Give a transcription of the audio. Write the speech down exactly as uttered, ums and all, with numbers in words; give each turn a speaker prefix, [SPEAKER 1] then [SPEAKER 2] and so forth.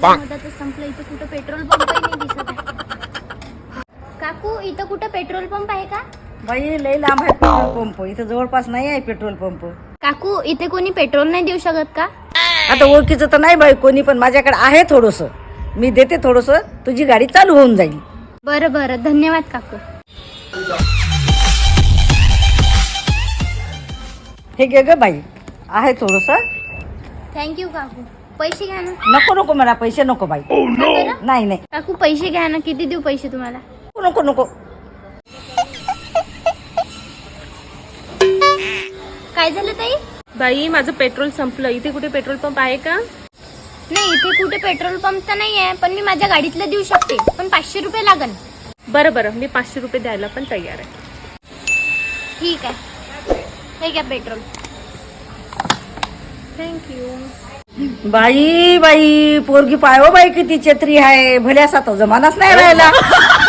[SPEAKER 1] मधातच संपलं. इथं कुठं पेट्रोल पंप नाही दिसत आहे. काकू इथं कुठं पेट्रोल पंप आहे का?
[SPEAKER 2] बाई लई लांब आहे पेट्रोल पंप, इथं जवळपास नाही आहे पेट्रोल पंप.
[SPEAKER 1] काकू इथे कोणी पेट्रोल नाही देऊ शकत का?
[SPEAKER 2] आता ओळखीचं तर नाही बाई कोणी, पण माझ्याकडे आहे थोडंसं, मी देते थोडंसं, तुझी गाडी चालू होऊन जाईल.
[SPEAKER 1] बरं बरं, धन्यवाद काकू.
[SPEAKER 2] हे घे ग बाई, आहे थोडंसं.
[SPEAKER 1] थँक्यू काकू. पैसे घ्या ना.
[SPEAKER 2] नको नको मला पैसे नको बाई. नाही नाही
[SPEAKER 1] काकू पैसे घ्या ना. किती देऊ पैसे तुम्हाला?
[SPEAKER 2] नको नको.
[SPEAKER 1] काय झालं ताई?
[SPEAKER 3] बाई माझं पेट्रोल संपलं. इथे कुठे पेट्रोल पंप आहे का?
[SPEAKER 1] नाही इथे कुठे पेट्रोल पंप तर नाही आहे, पण मी माझ्या गाडीतलं देऊ शकते, पण पाचशे रुपये लागन.
[SPEAKER 3] बरं बरं, मी पाचशे रुपये द्यायला पण तयार आहे.
[SPEAKER 1] ठीक आहे, हे घ्या पेट्रोल.
[SPEAKER 3] थँक्यू.
[SPEAKER 2] बाई बाई पोरगी पाय हो बाई किती छत्री आहे, भल्यासा तो जमानाच नाही राहिला.